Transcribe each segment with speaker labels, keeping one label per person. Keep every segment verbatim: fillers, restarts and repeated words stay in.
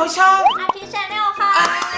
Speaker 1: ช่อง
Speaker 2: อาทิชแนลค่ะ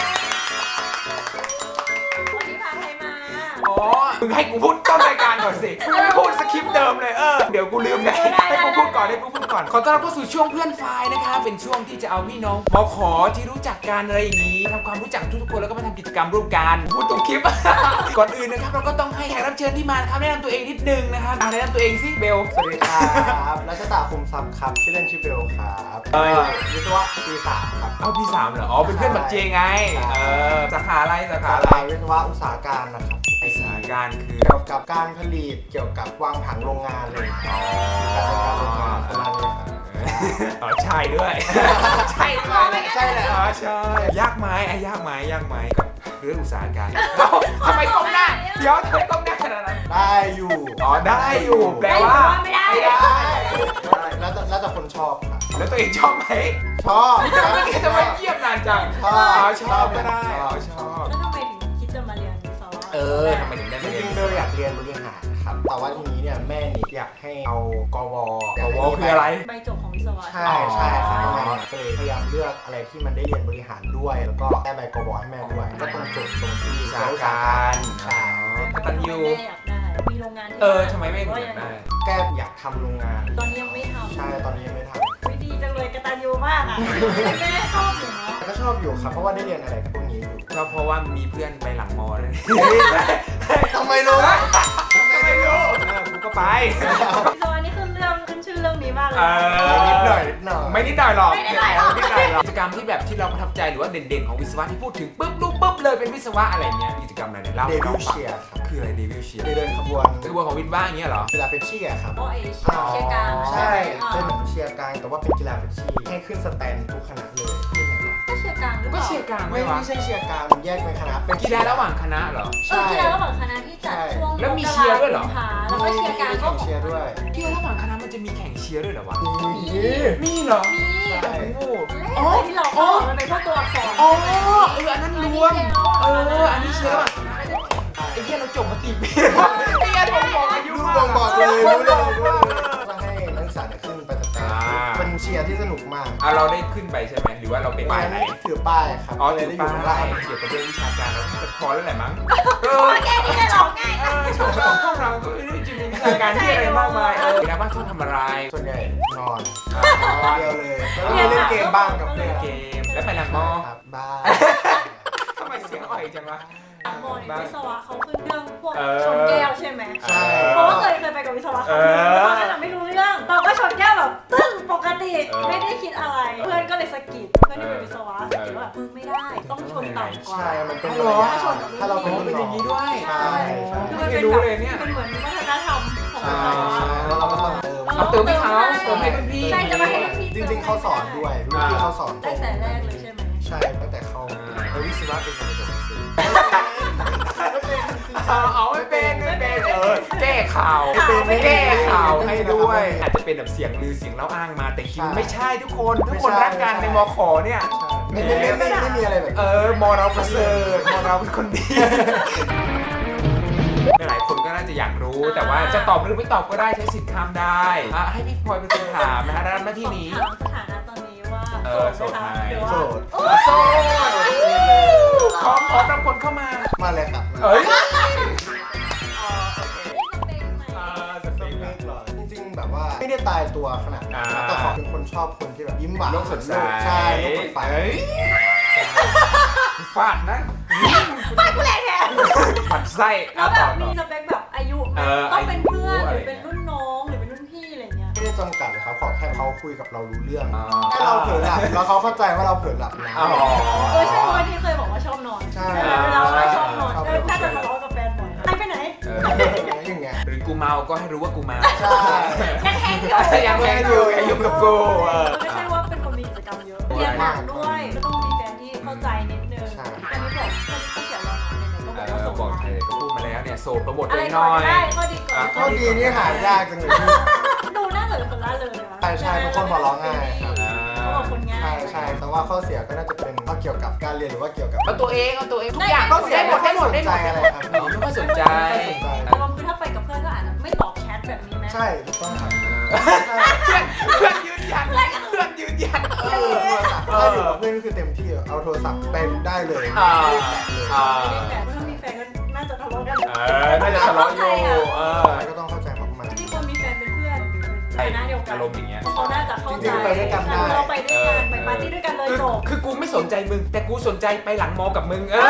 Speaker 2: วันนี้พาใครมา
Speaker 1: อ๋อมึงให้กูพูดต้นรายการก่อนสิไม่พูดสคริปต์เดิมเลยเออเดี๋ยวกูลืมไงให้กูพูดก่อนให้กูพูดก่อนขอต้อนรับเข้าสู่ช่วงเพื่อนไฟล์นะคะเป็นช่วงที่จะเอาพี่น้องมขอที่รู้จักกันอะไรอย่างนี้ทำความรู้จักทุกๆคนแล้วก็มาทำกิจกรรมร่วมกันพูดตรงคลิป ก่อนอื่นนะครับเราก็ต้องให้แขกรับเชิญที่มาครับแนะนำตัวเองนิดนึงนะครับแนะนำตัวเองสิเบล
Speaker 3: สวัสดีครับรัชตาคุมทรัพย์ครับชื่อเล่นชื่อเบลครับเออวิศวะปีสามครับ
Speaker 1: เอาปีสามเหรออ๋อเป็นเพื่อนบัตเจไงเออสาขาอะไรสาขา
Speaker 3: สา
Speaker 1: อะไร
Speaker 3: ขาวิศวะอุตสาหการนะครับ
Speaker 1: อุตสาหการคือ
Speaker 3: เกี่ยวกับการผลิตเกี่ยวกับวางผังโรงงานเลย
Speaker 1: อ๋
Speaker 3: การ
Speaker 1: อ
Speaker 3: จัดการโรงงานประมาณนี้ครับ
Speaker 1: อ๋อใช่ด้วย ใช่ด้วย
Speaker 3: ใช่แหละ
Speaker 1: อ๋อใช่ยากไหมไอ้ยากไหมยากไหมกับเรื่องอุตสาหการเอ้าทำไมก้มหน้าเดี๋ยวทำไมก้มหน้าขนาดนั้น
Speaker 3: ได้อยู่
Speaker 1: อ๋อได้อยู่แปลว่า
Speaker 2: ไม่ได้
Speaker 1: ไม่ได้
Speaker 3: ได้แล้วแต่แล้วแต่คนชอบครับ
Speaker 1: แล้วตัวเองชอบไหม
Speaker 3: ชอบ
Speaker 1: จะไม่จะไม่เยียบนานจัง
Speaker 3: ชอบ
Speaker 1: อ๋อชอบก็ได้อ๋อชอบ
Speaker 2: แล้วทำไมถึงคิดจะมาเรียนวิศวะ
Speaker 1: เออทำไมถึงได้
Speaker 3: จ
Speaker 1: มาเรีย
Speaker 3: ริ
Speaker 1: น
Speaker 3: งๆเบลอยากเรียนบริหารครับแต่ว่าทีนี้เนี่ยแม่นี่อยากให้เอากว
Speaker 1: กวคืออะไร
Speaker 2: ใบจบของวิศวะ
Speaker 3: ใช่ใช่ครับก็เลยพยายามเลือกอะไรที่มันได้เรียนบริหารด้วยแล้วก็ได้ใบกวให้แม่ด้วยก็ต้องจบตรงที่
Speaker 1: อุตสาหการใช่กตัญญู
Speaker 2: อยากได้มีโรงงานที่
Speaker 1: เออทำไมไม่ถึงอยากได้
Speaker 3: แกอยากทำโรงงาน
Speaker 2: ตอนนี้ยังไม่ทำ
Speaker 3: ใช่ตอนนี้ยังไม่ท
Speaker 2: วิดีจังเลยกตัญญูมากอ่ะแม่ชอบอยู่เนาะ
Speaker 3: ำก็ชอบอยู่ครับเพราะว่าได้เรียนอะไรกับพวกนี้อยู่
Speaker 1: ก็เพราะว่ามีเพื่อนไปหลังมอเลย
Speaker 3: ทำไมรู้
Speaker 1: ทำไมไม่รู้เออกูก็ไป
Speaker 2: วิศวะนี่คือเรื่องขึ้นชื่อเรื่องนี้มากเลย
Speaker 1: เออ
Speaker 3: นิดหน่อยนิดหน่อย
Speaker 1: ไม่นิดหน่อยหรอก
Speaker 2: ไม่นิดหน่อยหรอก
Speaker 1: ไม่นิดหน่อยหรอกกิจกรรมที่แบบที่เราประทับใจหรือว่าเด่นๆของวิศวะที่พูดถึงปุ๊บรู้ปุ๊บเลยเป็นวิศวะอะไรเงี้ยกิจกรรมอะไรเนี่ยเล่า
Speaker 3: เด
Speaker 1: ให้
Speaker 3: วิ
Speaker 1: เรา
Speaker 3: ล
Speaker 1: ฟัง
Speaker 3: เชียร์ครับ
Speaker 1: คืออะไรเดวิลเชียร์
Speaker 3: เดินขบวน
Speaker 1: คือว่าของวิศวะอย่างเงี้ยเหรอ
Speaker 3: กีฬาเฟชชี่อะครับ
Speaker 2: โอเอเชียร์กลาง
Speaker 3: ใช่
Speaker 2: อ่า
Speaker 3: เป็นเหมือนเชียร์กลางแต่ว่าเป็นกีฬาเฟชชี่ให้ขึ้นสแตนทุกคณะเลยที่ไหนวะ
Speaker 2: ก็เชียร์กลางหรือเป
Speaker 1: ก็
Speaker 2: ล่า
Speaker 1: เชียร์กลางไหม
Speaker 3: ไม่
Speaker 1: วะ
Speaker 3: ไม่ใช่เชียร์กลางมันแยกเป็นคณะเป็น
Speaker 1: กีฬาระหว่างคณะเหรอ
Speaker 2: เออกีฬาระหว่างคณะที่จัดช่วง
Speaker 1: แล้วมีเชียร์ด้วยเหรอ
Speaker 2: แล้วก็เชียร์กลางก็
Speaker 3: เชียร์ด้วย
Speaker 1: กีฬาระหว่างคณะมันจะมีแข่งเชียร์ด้วยเหรอวะ
Speaker 3: มี
Speaker 1: มีเหรอ
Speaker 2: มี
Speaker 3: ใช่
Speaker 1: โอ้โห
Speaker 2: อ๋อที่เราเข้ามันเป็นพวกตัวอักษร
Speaker 1: อ๋อเอออันนั้นรวมเอออันนี้เชียร์ระหว่างคณะไอ้เหี้ยเราจบมากี่ปีแล้วไอ้เหี้ยผมบอกอายุ
Speaker 3: รู้
Speaker 1: มาก
Speaker 3: บ่งบอกเลยรู้เลยรู้เลย
Speaker 1: เออ
Speaker 3: ต้องให้นักศึกษาเนี่ยขึ้นไปสแตน
Speaker 1: อ่า
Speaker 3: เป็นเชียร์ที่สนุกมาก
Speaker 1: อ่ะเราได้ขึ้นไปใช่ไหมหรือว่าเราเป็นป้ายไหน
Speaker 3: ถือป้ายครับ
Speaker 1: อ๋อ
Speaker 3: เล
Speaker 1: ถื
Speaker 3: ย
Speaker 1: อ
Speaker 3: ได้อยู่
Speaker 1: ป้า
Speaker 3: ข้างล่าง
Speaker 1: ยเกี่ยวกับเรื่องวิชาการแล้วจะพอแล้วแหละมั้งเอ
Speaker 2: โอ้
Speaker 1: อย
Speaker 2: แค่นี้จะหลอกง่าย
Speaker 1: เออชอบเราพวกเราก็ไม่ได้จะมีวิชาการที่อะไรมากมายเออนะบ้านชอบทำอะไร
Speaker 3: ส่วนใหญ่นอน
Speaker 1: อ๋อ
Speaker 3: เดียวเลยแล้วก็มีเล่นเกมบ้างกับเพื่อน
Speaker 1: เกมแล้วไปหลังมอ
Speaker 3: ครับบ้าง
Speaker 1: ทำไมเสียงอ่อยจังวะ
Speaker 2: โมนี่วิศวะเขาขึ้นเรื่องพวก
Speaker 1: เออ
Speaker 2: ชนแก้วใช่ไหม
Speaker 3: ใช่
Speaker 2: เพราะว่าเคยเคยไปกับวิศวะเขาตอนนั้นเราไม่รู้เรื่อง เราก็ชนแก้วแบบตึ้งปกติไม่ได้คิดอะไร เพื่อนก็เลยสะกิดเพื่อนที่เป็นวิศวะสะกิดว่ามึงไม่ได้ต้องชนต่ำกว่า
Speaker 3: ใช่มันเป็น
Speaker 1: อ๋อ
Speaker 3: ถ้าเราเป็น
Speaker 1: อ๋อเป็นอย่างนี้ด้วย
Speaker 3: ใช่ใช่
Speaker 2: คือมัน
Speaker 1: ไม่
Speaker 2: เป็น
Speaker 1: รู้
Speaker 2: แบบ
Speaker 1: เลยเนี่ย
Speaker 2: เป็นเหมือนวัฒนธรรมของวิ
Speaker 3: ใช่
Speaker 2: ศวะ
Speaker 3: ใช่แล้วเราก็ต้องเติม
Speaker 1: เอาเติมให้เขาเติมให้รุ่นพี่
Speaker 2: ใช่จะมาให้รุ่นพี่
Speaker 3: จริงๆเขาสอนด้วยรุ่นพี่เขาสอน
Speaker 2: ตั้งแต่แรกเลยใช่ไหม
Speaker 3: ใช่ตั้งแต่เขาเออวิศวะเป็นคนจบหนังสือ
Speaker 1: เอาเอาไม่เป็นไม่เป็นเออแก้ข่าวไม่แก้ข่าวให้ด้วยอาจจะเป็นแบบเสียงลือเสียงเล่าอ้างมาแต่จริงไม่ใช่ทุกคนทุกคนรักกันในมขเนี่ย
Speaker 3: ไม่ไม่ไม่ไม่ไม่มีอะไรแบบ
Speaker 1: เออมอเราประเสริฐมอเราเป็นคนดีหลายคนก็น่าจะอยากรู้แต่ว่าจะตอบหรือไม่ตอบก็ได้ใช้สิทธิ์ข้ามได้อ่ะให้พี่พลอยเป็นคนถามนะฮะรับหน้าที่นี้
Speaker 2: ถามสถานะตอนนี้ว่า
Speaker 1: เออโสดไหม
Speaker 2: หรือว่า
Speaker 3: โสด
Speaker 1: โสดขอขอรับคนเข้ามา
Speaker 3: มาเลยครับ
Speaker 1: เอ้ย
Speaker 2: อ๋อโอเคสเปคไหม
Speaker 1: อ่าสเปค
Speaker 3: ไม่
Speaker 1: แบบ
Speaker 3: หรอกจริงๆแบบว่าไม่ได้ตายตัวขนาดนั้นนะแต่ขอเป็นคนชอบคนที่แบบยิ้มหวาน
Speaker 1: โลกสดใส
Speaker 3: ใช่โลกสดใส
Speaker 1: เฮ้ยฟาดนะ
Speaker 2: ฟาดกูแรงแทน
Speaker 1: ผัดไส้
Speaker 2: แล้ว
Speaker 1: อ่ะ
Speaker 2: แบ
Speaker 1: ต่อบ ต่
Speaker 2: มี
Speaker 1: อ
Speaker 2: สเปคแบบอายุไหม
Speaker 1: เออ
Speaker 2: ต้องเป็นเพื่อน
Speaker 1: อายุ
Speaker 2: หรือเป็นรุ่นน้องหรือเป็นรุ่นพี่อะไรเงี้ย
Speaker 3: ไม่ได้จำกัดเลยครับขอแค่เขาคุยกับเรารู้เรื่อง
Speaker 1: อ่า
Speaker 3: ถ้าเราเผลอหลับแล้วเขาเข้าใจว่าเราเผลอหลับนะ
Speaker 1: อ๋อ
Speaker 2: เออใช่เพราะว่าที่เคยบอกว่าชอบนอน
Speaker 3: ใช่
Speaker 2: เวลาว่าชอบนอน
Speaker 3: ชอบ
Speaker 2: เออน่าจะทะเลาะกับแฟนบ่อยใครไปไหน
Speaker 1: เออ
Speaker 3: อย่างเงี้ย
Speaker 1: หรือกูเมาก็ให้รู้ว่ากูเมา
Speaker 3: ใช่
Speaker 2: ยังแทงอยู่
Speaker 1: ยังแพงอยู่ยังอยู่กับกูเออ
Speaker 2: ไม่ใช่ว่าเป็นคนมีกิจกรรมเยอะเรียนหนักด้วยก็ต้องมีแฟนที่เข้าใจนิดนึงอันนี้บอกก็เสียเราหนาเนี่ยก็
Speaker 1: เอ
Speaker 2: บอกว่า
Speaker 1: อ
Speaker 2: ส่ง
Speaker 1: บอกใครก็พูดมาแล้วเนี่ยโสดโปรโมท
Speaker 2: อะ
Speaker 1: ตัว
Speaker 2: ไร
Speaker 1: เองห
Speaker 2: ก่
Speaker 1: น่
Speaker 2: อ
Speaker 1: อน ย
Speaker 2: ได้ข้อดีก่อน
Speaker 3: ข้อดีนี่หายากจังเลยพี่
Speaker 2: ดูน่าจะเป็นคนล่าเริงเลย
Speaker 3: ใช่ใช่เป็นคนหัวเราะง่ายครับ
Speaker 2: เขาบอกคนง่า
Speaker 3: ใช่
Speaker 2: ย
Speaker 3: ใช่แต่ว่าข้อเสียก็น่าจะเป็นเกี่ยวกับการเรียนหรือว่าเกี่ยวกับ
Speaker 1: เอาตัวเองเอาตัวเองทุกอย่าง
Speaker 3: ข้อเสีย
Speaker 1: ได้หมดได้หมดได้หมด
Speaker 3: ไม่ค่อยสนใจอะไรครับ
Speaker 1: อ๋อไม่ค่อยสนใจ
Speaker 2: แต่ว่าคือถ้าไปกับเพื่อนก็อาจจะไม่ตอบแชทแบบนี้ไหม
Speaker 3: ใช่ถูกต้องครับ
Speaker 1: เพื่อนเพื่อนยืนยันเพื่อนยืนยันเอ
Speaker 3: เอ
Speaker 1: อ
Speaker 3: อโทรศัพท์ถ้าอยู่กับเพื่อนก็คือเต็มที่เอาโทรศัพท์ไปได้เลย
Speaker 1: อ่า
Speaker 3: ไม่ได้แตะเลย
Speaker 1: อ่า
Speaker 2: ไม่ได้แต่ถ้ามีแฟนก็น่าจะทะเลาะกัน
Speaker 1: เออน่าจะทะเลาะอยู่เออ
Speaker 3: ก็ต้องเข้าใจมาก
Speaker 2: ที่คนมีแฟนเป็นเพื่อนหรือเป็นคณะเดียวกัน
Speaker 1: อารมณ์อย่างเงี้ย
Speaker 2: เขาน่าจะเข้า
Speaker 3: จ
Speaker 2: ใจ
Speaker 3: ริงๆไปด้วยกันได้
Speaker 2: เราไปด้วยกันไปปาร์ตี้ด้วยกันเลย
Speaker 1: คือ
Speaker 2: จบ
Speaker 1: คือกูไม่สนใจมึง แต่กูสนใจไปหลังมอกับมึง เออ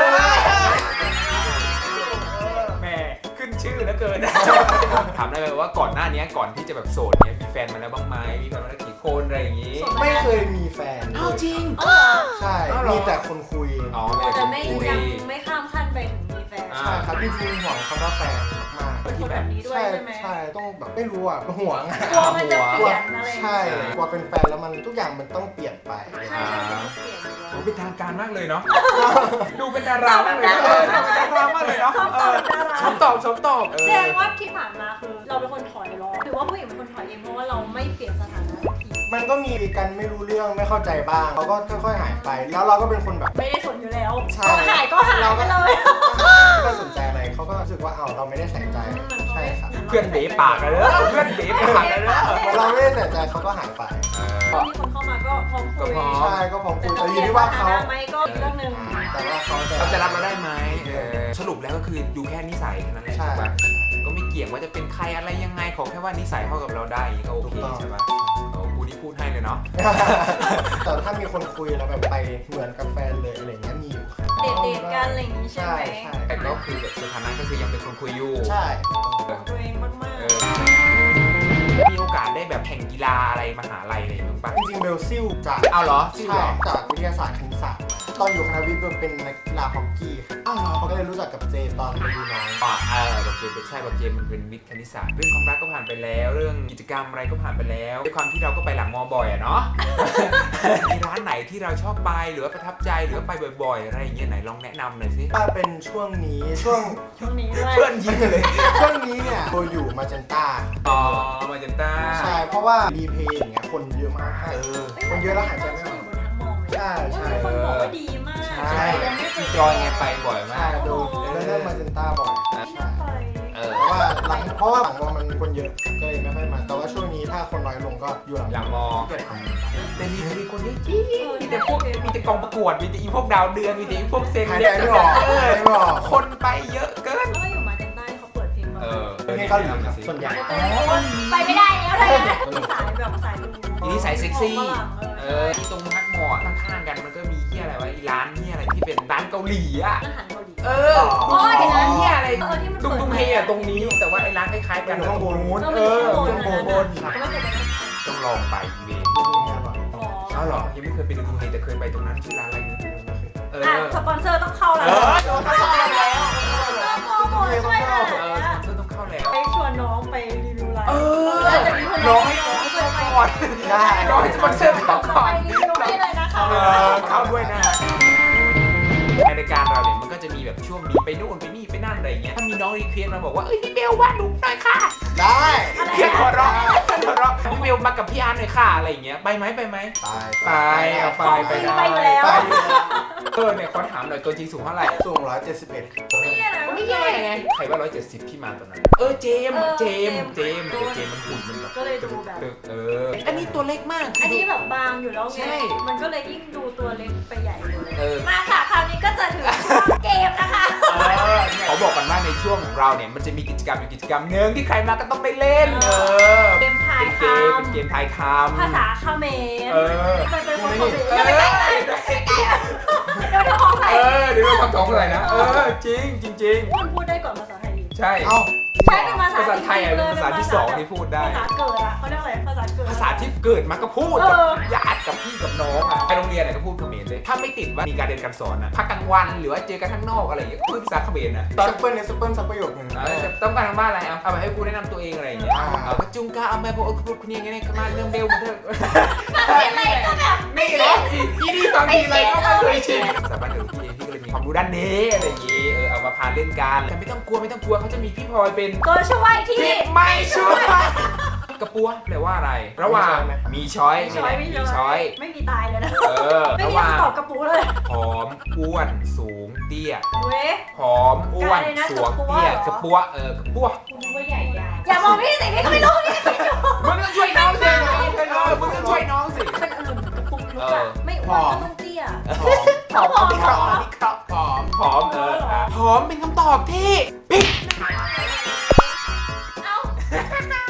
Speaker 1: แหม่ขึ้นชื่อแล้วเกิน ถามได้เลยว่าก่อนหน้านี้ก่อนที่จะแบบโสดเนี้ยมีแฟนมาแล้วบ้างไหมมีแฟนมาแล้วกี่คนอะไรอย่างงี้
Speaker 3: ๆไม่เคยมีแฟน
Speaker 1: อ้าวจริง
Speaker 2: เออ
Speaker 3: ใช่
Speaker 1: อ้าวเหรอ
Speaker 3: มีแต่คนคุย
Speaker 1: อ๋อ
Speaker 2: แต่ไม่
Speaker 1: คุย
Speaker 2: ยังไม่ข้ามขั้นไปถึงมีแฟน
Speaker 1: อ่า
Speaker 3: ใช่ครับจริงๆห่วงคำว่าแฟนมาก
Speaker 2: เป็นคนแบบนี้
Speaker 3: ๆ
Speaker 2: ด้วย
Speaker 3: ใช่
Speaker 2: ใช่ไหม
Speaker 3: ใช่ต้องแบบไม่รู้อ่ะห่วงอะ
Speaker 2: กลัวมันจะเปลี่ยนอะไร
Speaker 3: ใช่กลัวเป็นแฟนแล้วมันทุกอย่างมันต้องเปลี่ยนไป
Speaker 2: ใช่ใช่มันเปลี่ยนอยู่แล้ว
Speaker 1: โอ้เป็นทางการมากเลยเนาะ ดูเป็นดารามากเลยเนอะเออดูเป็นดารามากเลยเนาะ
Speaker 2: ชอบตอบดารา
Speaker 1: ชอบตอบชอบตอบเอ
Speaker 2: แส
Speaker 1: อ
Speaker 2: ดงว่าที่ผ่านมาคือเราเป็นคนถอยรอหรือว่าผู้หญิงเป็นคนถอยเองเพราะว่าเราไม่เปลี่ยนสถานะสักที
Speaker 3: มันก็มีกันไม่รู้เรื่องไม่เข้าใจบ้างเขาก็ค่อยๆหายไป แล้วเราก็เป็นคนแบบ
Speaker 2: ไม่ได้สนอยู่แล้ว
Speaker 3: ใช่
Speaker 2: ก็หายก็หายไปเลย
Speaker 3: ไม่ได้สนใจอะไรเขาก็รู้สึกว่าเอาเราไม่ได้ใส่ใจใช่ครับ
Speaker 1: เพื่อนเบ๋ปากกันเลยเพื่อนเบ๋ปากกันเลย
Speaker 3: เราไม่ได้ใส่ใจเขาก็หายไป
Speaker 2: ตอนที่คนเข้ามาก็พร้อมคุย
Speaker 1: ก็พร้อม
Speaker 3: ใช่ก็พร้อมคุย
Speaker 2: แต่
Speaker 3: แต่
Speaker 2: จะ
Speaker 3: อ
Speaker 2: เปลี่
Speaker 3: ยู่
Speaker 2: ยน
Speaker 3: ที่
Speaker 2: ส
Speaker 3: ว่า
Speaker 2: ถา
Speaker 3: เขา
Speaker 2: นะไหมก็อีกเรื่องหนึ่ง
Speaker 3: แต่ว่าเขาจะ
Speaker 1: เขาจะรับเราได้ไหมเออสรุปแล้วก็คือดูแค่นิสัยแค่นั้นแหละ
Speaker 3: ใช่
Speaker 1: ใช่ปะก็ไม่เกี่ยงว่าจะเป็นใครอะไรยังไงขอแค่ว่านิสัยเข้ากับเราได้อย่างนี้ก็โอ
Speaker 3: ถูก
Speaker 1: เค
Speaker 3: ต้อง
Speaker 1: ใช่ปะโอ้กูนี่พูดให้เลยเนาะ
Speaker 3: แต่ถ้ามีคนคุยแล้วแบบไปเหมือนกับแฟนเลยอะไรเงี้ยมีอยู่ครับ
Speaker 2: เดทเดทกันอะไรอย่างนี้ใช่
Speaker 3: ใช่
Speaker 2: ไหม
Speaker 3: ใช่
Speaker 1: แต่ก็คือแบบสถานะก็คือยังเป็นคนคุยอยู่
Speaker 3: ใช่
Speaker 2: ของตัวเองมาก
Speaker 1: เออมีโอกาสได้แบบแข่งกีฬาอะไรมหาลัยอะไรบ้างปะ
Speaker 3: จริงๆเบลซิลจาก
Speaker 1: เอาเหรอซิ่ว
Speaker 3: ใช่
Speaker 1: เหรอ
Speaker 3: จากวิทยาศาสตร์คณิตศาสตร์ตอนอยู่คณะวิทย์เบลเป็นนักกีฬาฮอกกี้ครับ
Speaker 1: อ้าวเหรอ
Speaker 3: เขาก็เลยรู้จักกับเจตอนไปดูน้อง
Speaker 1: อ่าเออแบบเจมเป็นใช่แบบเจมมันเป็นวิทย์คณิตศาสตร์เรื่องความรักก็ผ่านไปแล้ว เรื่องกิจกรรมอะไรก็ผ่านไปแล้วด้วยความที่เราก็ไปหลังมอบ่อยอะเนาะ มีร้านไหนที่เราชอบไปหรือว่าประทับใจหรือว่าไปบ่อยๆอะไรอย่างเงี้ยไหนลองแนะนำหน่อยสิ
Speaker 3: ถ้าเป็นช่วงนี้ช่วง
Speaker 2: ๆช่วงนี้ด้วย
Speaker 1: เพื่อนยิ้มเลย
Speaker 3: ช่วงนี้เนี่ยโบอยู่มาจันต้า
Speaker 1: อ๋อมาจันต้า
Speaker 3: ใช่เพราะว่ารีเพย์อย่างเงี้ยคนเยอะมาก
Speaker 1: เออ
Speaker 3: คนเยอะแล้วหายใจไม่ออก
Speaker 2: อยู่บนทั้งมองเลย
Speaker 3: ใช่ใช่
Speaker 2: มีคนบอกว่าดีมาก
Speaker 1: ใช่
Speaker 2: ยังไม่เคย
Speaker 1: จอยไงไปบ่อยมา
Speaker 3: ใช่
Speaker 1: ก
Speaker 3: ดูเรื่องมาจันต้าบ่อย
Speaker 2: ไม่น่าไป
Speaker 1: เออ
Speaker 3: เพราะว่าหลังเพราะว่าหลังมอมันคนเยอะก็เลยไม่ค่อยมา แต่ว่าช่วงนี้ถ้าคนน้อยลงก็อยู่หลัง
Speaker 1: หลังมอ
Speaker 3: เกิดทำ
Speaker 1: แต่มีมีคนเยอะจริงมีแต่พวกมีแต่กองประกวดมีแต่อีพวกดาวเดือนมีแต่อีพวกเซน
Speaker 3: หายใจไม่ออก
Speaker 1: เออ
Speaker 3: หายใจไม่ออก
Speaker 1: คนไปเยอะเกิน
Speaker 2: แล้วก็อยู่มาเต็นใต้เขาเปิดเพลงมา
Speaker 1: เออ
Speaker 3: เพลงเกาหลีครับส่วนใหญ่
Speaker 2: ไปไม่ได้แล้วเลยนะสายแบบสายดู
Speaker 1: อีนี่สายเซ็กซี่
Speaker 2: ฝรั่ง
Speaker 1: เออที่ตรงฮักหมอข้างๆกันมันก็มีที่อะไรวะอีร้านที่อะไรที่เป็นร้านเกาหลีอ่ะ
Speaker 2: อาหารเกาหลี
Speaker 1: เออ
Speaker 2: อ๋อเดี๋ยวนะ
Speaker 1: ที่อะไร
Speaker 2: เออที่มัน
Speaker 1: ดุงดุงเฮอะตรงนี้แต่ว่าไอ้ร้านคล้ายๆกัน
Speaker 3: อยู่ข้างบน
Speaker 1: นู้น
Speaker 2: เอ
Speaker 1: เอ
Speaker 2: อ
Speaker 1: อ
Speaker 2: มันอยู่
Speaker 1: ข้าง
Speaker 2: ข้าง
Speaker 1: บบ น
Speaker 2: น
Speaker 1: บน
Speaker 2: ก็ไม่เคยไปนั่ง
Speaker 1: ต้องลองไปอีเวนต์
Speaker 2: อ๋อ
Speaker 1: อ้าวเหรอยังไม่เคยไปดุงดุงเฮแต่เคยไปตรงนั้นชื่อร้านอะไรนะเออ
Speaker 2: อ่ะสปอนเซอร์ต้องเข้าแล้ว
Speaker 1: เออต้องเข้าแล้ว
Speaker 2: โปรโมทช่วยหน่อย
Speaker 1: เออ
Speaker 2: นะ
Speaker 1: สปอนเซอร์ต้องเข้าแล้ว
Speaker 2: ไปชวนน้องไปรีวิวไลน์
Speaker 1: เออ
Speaker 2: แล้วจะมีคน
Speaker 1: น้องให้น้องเข้าก่อน
Speaker 3: ได้
Speaker 1: น้องให้สปอนเซอร์เข้าก่อน
Speaker 2: ไปรีวิวให้เลยนะคะ
Speaker 1: เออเข้าด้วยนะในรายการเราเนี่ยมันก็จะมีแบบช่วงนี้ไปนู่นไปนี่ไปนั่นอะไรอย่างเงี้ยถ้ามีน้องรีเควสมาบอกว่าเอ้ยพี่เบลวาดรูปหน่อยค่ะ
Speaker 3: ได้
Speaker 1: เพียงหัวเราะหัวเราะพี่เบลมากับพี่อาร์ตหน่อยค่ะอะไรอย่างเงี้ยไปไหมไปไหม
Speaker 3: ไป
Speaker 1: ไปเอาไปไป
Speaker 2: ไปอยู่แล้ว
Speaker 1: ไปเออเนี่ยขอถามหน่อยตัวจริงสูงเท่าไหร่
Speaker 3: สูงร้อยเจ็ดสิบเอ็ด
Speaker 2: ไม่แย่นะ
Speaker 1: ไม่แย่ไงใครว่าร้อยเจ็ดสิบที่มาตอนนั้นเออเจมส์เจมส์เจมส์แต่เจมส์มันหุ่นมันแบบ
Speaker 2: ก็เลยดูแบบ
Speaker 1: เอออันนี้ตัวเล็กมาก
Speaker 2: อันนี้แบบบางอยู่แล้วไง
Speaker 1: ใช่
Speaker 2: มันก็เลยยิ่งดูตัวเล็กไปใหญ่เลย
Speaker 1: เออ
Speaker 2: มาค่ะคราวนี้ก็จะถึงช่วงเกมนะคะ
Speaker 1: เขาบอกกันว่าในช่วงของเราเนี่ยมันจะมีกิจกรรมอยู่กิจกรรมหนึ่งที่ใครมาก็ต้องได้เล่น เออ
Speaker 2: เกมทาย
Speaker 1: เป็น
Speaker 2: ค
Speaker 1: เกมเป็นเกมทายค
Speaker 2: ำ
Speaker 1: ำ
Speaker 2: ภาษาเขมร
Speaker 1: เออ
Speaker 2: ไปเป็นคนเขมร
Speaker 1: เอ
Speaker 2: อย่าไปใกล้เลย
Speaker 1: อ
Speaker 2: เดี๋ยวเดี๋ยวของใคร
Speaker 1: เออเดี๋ยวเราทำท้องอะไรนะ เออจริงจริงจริง
Speaker 2: มันพูดได้ก่อนภาษาไทย
Speaker 1: ใช่
Speaker 3: เอ้า
Speaker 2: ใช้เป็นภาษา
Speaker 1: ภาษาไทยอ่ะเป็นภาษาที่สองที่พูดได้
Speaker 2: ภาษาเกิดอะเขาเรียกอะไรภาษาเกิด
Speaker 1: ภาษาที่เกิดมาก็พูด
Speaker 2: เอ
Speaker 1: กับ
Speaker 2: อ
Speaker 1: ญาติกับพี่กับน้องอ่ะไปโรงเรียนไหนก็พูดเขมรเลยถ้าไม่ติดว่ามีการเรียนการสอนอ่ะพักกลางวันหรือว่าเจอกันข้างนอกอะไรอย่างเงี้ยพูดภาษาเขมรนะตอน
Speaker 3: ซัปเปิลเนี่ยซัปเปิลสักประโยคหนึ่ง
Speaker 1: เออต้องการทางบ้านอะไรเอาเอาไปให้กูแนะนำตัวเองอะไรอย่างเงี้ย
Speaker 3: อ่า
Speaker 1: เอาก็จุงกาเอาไปบอกคุณคุณยังไงเนี่ยมาเรื่องเบลมาเถอะ
Speaker 2: เป็นอะไรก็แบบ
Speaker 1: นี่แหละอีอีนี่บางทีอะไรก็ไม่เคยชินสามารถเดี๋ยวพี่เองพี่ก็เลยมีความรู้ด้านนี้อะไรอย่างงี้เออเอามาพาเล่นกันแต่ไม่ต้องกลัวไม่ต้องกลัวเขาจะมีพี่พลอยเป็น
Speaker 2: ตัวช่วยที่
Speaker 1: ที่ไม่ช่วยกระปัวแปลว่าอะไร ระหว่างมีช้อย
Speaker 2: ช้อยไม่
Speaker 1: มีช้อย
Speaker 2: ไม่มีตายเลยนะ
Speaker 1: เออ
Speaker 2: ไม่
Speaker 1: ระ
Speaker 2: มี
Speaker 1: หว่าง
Speaker 2: คำตอบกระปูเลย
Speaker 1: ผอมอ้วนสูงเตี้ย
Speaker 2: เว้ย
Speaker 1: ผอมอ้วน
Speaker 2: กลายเลยนะ
Speaker 1: สูง
Speaker 2: กระปัว
Speaker 1: เตี้ย
Speaker 2: เหรอ
Speaker 1: กระปัวเออกระปัว
Speaker 2: คุณว่าใหญ่ยาวอย่ามองพี่สิพี่ก็ไม่รู้พี่ก็ไม่รู้
Speaker 1: มึงต้องช่วยน้องสิเออมึงต้องช่วยน้องสิ
Speaker 2: เป็นอื่นกระปุกลุกอะไม่
Speaker 3: ผ
Speaker 2: อ้ว
Speaker 3: อน ม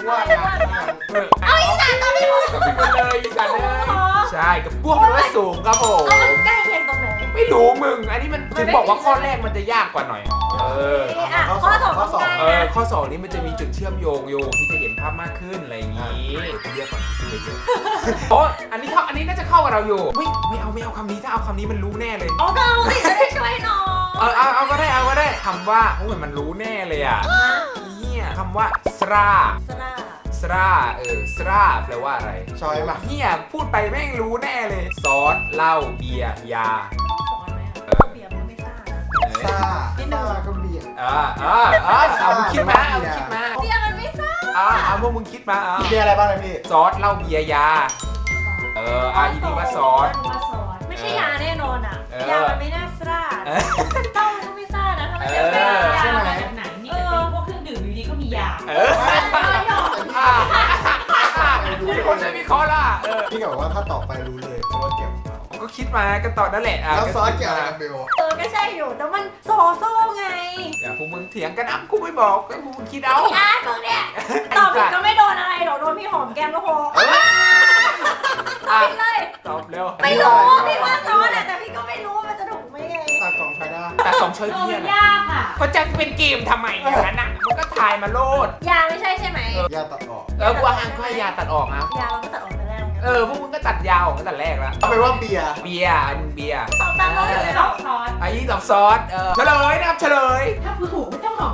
Speaker 3: ว่า
Speaker 2: ไม่
Speaker 3: นะ
Speaker 2: ว่า
Speaker 1: เออเอาอีสานตอนนี้พูดกับพี่เลยอีสานเลยใช่กับพวกมันว่าสูงครับผม
Speaker 2: เอามันใกล้เคียงตรงไหน
Speaker 1: ไม่รู้มึง อันนี้มันถึงบอกว่าข้อแรกมันจะยากกว่าหน่อย เออ
Speaker 2: อ่ะข้อสองข้อสอง
Speaker 1: เออ ข้อสองนี้มันจะมีจุดเชื่อมโยงโยงที่จะเห็นภาพมากขึ้นอะไรอย่างนี้เรียกก่อนเรียกเยอะโอ้อันนี้เข้าอันนี้น่าจะเข้ากับเราอยู่ไม่ไม่เอาไม่เอาคำนี้ถ้าเอาคำนี้มันรู้แน่เลย
Speaker 2: เอาก็เอาสิจะได้ช่วยหน่อย
Speaker 1: เออเอาเอาก็ได้เอาก็ได้คำว่าโอ้ยมันรู้แน่เลยอ่ะเฮียคำว่าสรา
Speaker 2: สลา
Speaker 1: สราเออสราแปลว่าอะไร
Speaker 3: ชอยมา
Speaker 1: เฮียพูดไปแม่งรู้แน่เลย ซอสเหล้าเบียร์ยา
Speaker 2: สอนไหมอ่ะเบียร์มันไม่ทราบนะ
Speaker 1: เออ
Speaker 3: ซ่าซ่าก็เบียด
Speaker 1: อ่าอ่าอ่าเอามึงคิดมาเอามึงคิดมา
Speaker 2: เบียร์มันไม่ทราบ
Speaker 1: อ่าเอาพวกมึงคิดมาอ่า
Speaker 3: เบียร์อะไรบ้างเลยพี่
Speaker 1: ซอสเหล้าเบียร์ยา เอออ่ะอีนี่ว่าซอส
Speaker 2: ว่าซอสไม่ใช่ยาแน่นอนอ่ะ
Speaker 1: เออ
Speaker 2: ยามันไม่น่าซ่า
Speaker 1: เออ
Speaker 2: เต้ามันก็ไม่ซ่านะถ้าไม่ใช่
Speaker 1: เออ
Speaker 2: ยา
Speaker 3: ใช่ไหม
Speaker 4: มาจากไหนนี่แต่เป็นพวกเครื่องดื่มอยู่ดีก็มียา
Speaker 1: เอออ่ามีคนใช้วิเคราะห์ล่ะเออ
Speaker 3: พี่ก็บอกว่าถ้าตอบไปรู้เลยเพราะว่าเกี่ยวกับเรา
Speaker 1: ผมก็คิดมาก็ตอบนั่นแหละอ่ะ
Speaker 3: แล้วซอสเกี่ยวอะไรกับเบล
Speaker 2: เออก็ใช่อยู่แต่มันโซโซ่ไง
Speaker 1: อย่าพวกมึงเถียงกันอ่ะกูไม่บอกก็พวกมึงคิดเอา
Speaker 2: ยาตรงเนี้ยตอบผิดก็ไม่โดนอะไรหรอกโดนพี่หอมแก้มก็พอตอบผิดเลย
Speaker 1: ตอบเร็ว
Speaker 2: ไม่รู้พี่ว่าซอสอะแต่พี่ก็ไม่รู้ว่ามันจะถูกไหมไง
Speaker 3: ตาสองใครได้
Speaker 1: แต่สองช้อย
Speaker 4: เออ
Speaker 1: เพี้ย
Speaker 4: มัน
Speaker 1: น
Speaker 4: ยากอ่ะ
Speaker 1: เขาจะเป็นเกมทำไมอย่างนั้นอ่ะมันก็ทายมาโลด
Speaker 2: ยาไม่ใช่ใช่ไหม
Speaker 3: ยาตัดออก
Speaker 1: เออกูว่าห้ามให้ยาตัดออกนะ
Speaker 2: ยาเราก็ตัดออกแต่แรกไง
Speaker 1: เออพวกมึงก็ตัดยาออกตั้งแต่แรกแล้ว
Speaker 3: เอาไปนว่าเบียร์
Speaker 1: เบียร์อันเบียร์
Speaker 2: ตอบตามเราเลย
Speaker 4: ซ
Speaker 2: เหร
Speaker 4: อ
Speaker 2: อ
Speaker 4: สซอส
Speaker 1: ไอ้นี่ตอบซอสเออเฉลยนะครับเฉลย
Speaker 4: ถ้าคือถูกไม่ต้องหลอก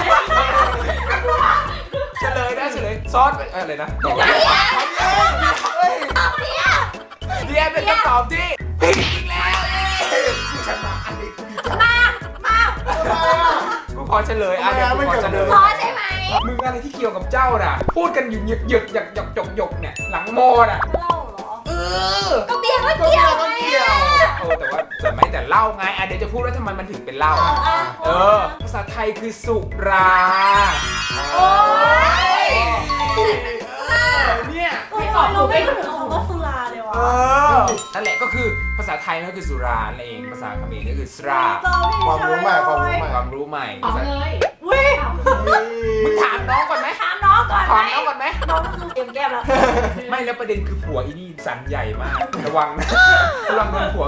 Speaker 1: เฉลยนะเฉลยซอสเอออะไรนะตอบ
Speaker 2: ตอบเนี่ย
Speaker 1: เบียร์เป็นคำตอบที่ผิดอีกแล้วเอ้ยกูชนะอันนี้กูดีใจ
Speaker 2: มามา
Speaker 1: กูขอเฉลยอ่ะเดี๋ยวกูขอเฉลย
Speaker 2: ซอสใช่ไหม
Speaker 1: มึงอะไรที่เกี่ยวกับเจ้าน่ะ พูดกันอยู่หยึกหยึกหยักหยักหยกหยกเนี่ยหลังโมน่ะ
Speaker 2: เล่าเหรอ
Speaker 1: เออ
Speaker 2: ก็เบียร์ก็เกี่ยวไง
Speaker 1: เออแต่ว่าแต่ไม่แต่เหล้าไงอ่ะเดี๋ยวจะพูดว่าทำไมมันถึงเป็นเหล้า
Speaker 2: อ่ะ
Speaker 1: เออ ภาษาไทยคือสุรา
Speaker 2: โอ้ย
Speaker 1: เออเนี่ย
Speaker 2: โอ้ยเราไม่ถึงคำว่าสุราเลยวะ
Speaker 1: เออ นั่นแหละก็คือภาษาไทยนั่นก็คือสุรานั่นเอง ภาษาเขมรก็คือสรา
Speaker 3: ความรู้ใหม่ความรู้ใหม่
Speaker 1: ความรู้ใหม่
Speaker 4: เอาเลย
Speaker 2: วิ่ง
Speaker 1: มึงถามน้องก่อนไหม
Speaker 2: ถามน้องก่อนไห
Speaker 1: ถาม
Speaker 2: ม
Speaker 1: น้องก่อนไหม
Speaker 2: น้องก็คือเตรียมแก้มแล้ว
Speaker 1: ไม่แล้วประเด็นคือผัวอีนี่สันใหญ่มาก ระวังนะ ระวังโดนผัว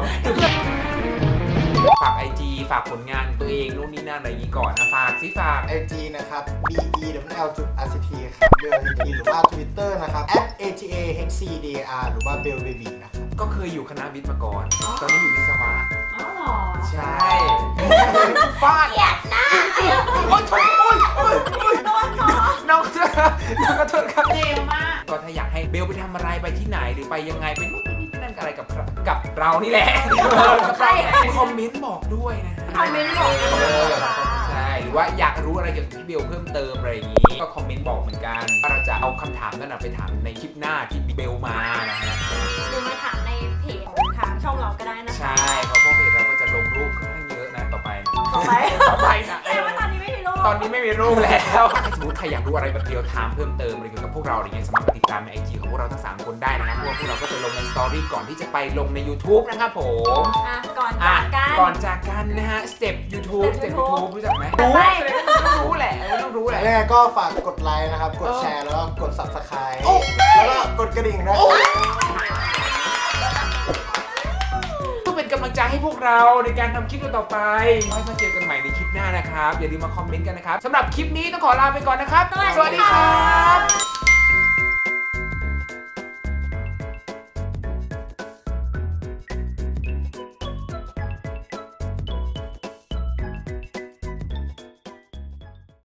Speaker 1: ฝากไอจีฝากผลงานตัวเองนู่นนี่นั่นอะไรอย่างนี้ก่อนนะ ฝากสิฝาก
Speaker 3: ไอจีนะครับ b e w l จุด r c t ครับเบล r c t หรือว่า Twitter นะครับ at a t a h c d r หรือว่า bell baby นะครับ
Speaker 1: ก็เคยอยู่คณะวิทย์มาก่อน ตอนนี้อยู่วิศวะ
Speaker 4: อ๋อเหรอ
Speaker 1: ใช่ฟาด
Speaker 2: เกลียดนะ
Speaker 1: โอ๊ยโอ๊ยโอ๊ยโอ๊ยโอ๊ย
Speaker 2: โดนหรอ
Speaker 1: น้องเจ้าน้องขอโทษครับ
Speaker 4: เร็วมาก
Speaker 1: ก็ถ้าอยากให้เบลไปทำอะไรไปที่ไหนหรือไปยังไงไปนู่นไปนี่ไปนั่นอะไรกับเรากับเรานี่แหละกับเราเนี่ยคอมเมนต์บอกด้วยนะฮะ
Speaker 2: คอมเมนต์บอกกันเลยค่ะ
Speaker 1: ใช่หรือว่าอยากรู้อะไรเกี่ยวกับพี่เบลเพิ่มเติมอะไรอย่างนี้ก็คอมเมนต์บอกเหมือนกันว่าเราจะเอาคำถามนั้นนะไปถามในคลิปหน้าที่เบลมานะฮะ
Speaker 2: หรือมาถามในเพจของทางช่องเราก็ได้นะคะ
Speaker 1: ใช่เพราะพวกเพจเราก็จะลงรูปค่อนข้างเยอะนะต่อไปนะ
Speaker 2: ต่อไป
Speaker 1: ต่อไปนะ
Speaker 2: แต่ว่าตอนนี้ไม่มีรูป
Speaker 1: ตอนนี้ไม่มีรูปแล้วถ้าสมมติใครอยากรู้อะไรแบบเดียวถามเพิ่มเติมอะไรเกี่ยวกับพวกเราอะไรเงี้ยสามารถไปติดตามในไอจีของพวกเราทั้งสามคนได้นะครับเพราะว่าพวกเราก็จะลงในสตอรี่ก่อนที่จะไปลงใน YouTube นะครับผม
Speaker 2: อ่ะก่อน
Speaker 1: อ่ะ
Speaker 2: จากกัน
Speaker 1: ก่อนจากกันนะฮะสเต็ป YouTube สเต็ป
Speaker 2: Step
Speaker 1: YouTube รู้จักไหม
Speaker 2: ไป
Speaker 1: รู้ต้องรู้แหละต้องรู้แหละ
Speaker 3: ยังไงก็ฝากกดไลค์นะครับ กดแชร์แล้วก็กด subscribe
Speaker 1: โอ้
Speaker 3: แล้วก็กดกระดิ่งด้วย
Speaker 1: เพื่อเป็นกำลังใจให้พวกเราในการทำคลิปต่อไปไว้มาเจอกันใหม่ในคลิปหน้านะครับ อย่าลืมมาคอมเมนต์กันนะครับสำหรับคลิปนี้ต้องขอลาไปก่อนนะครับ
Speaker 2: สวัสดีค่ะ
Speaker 1: ครับ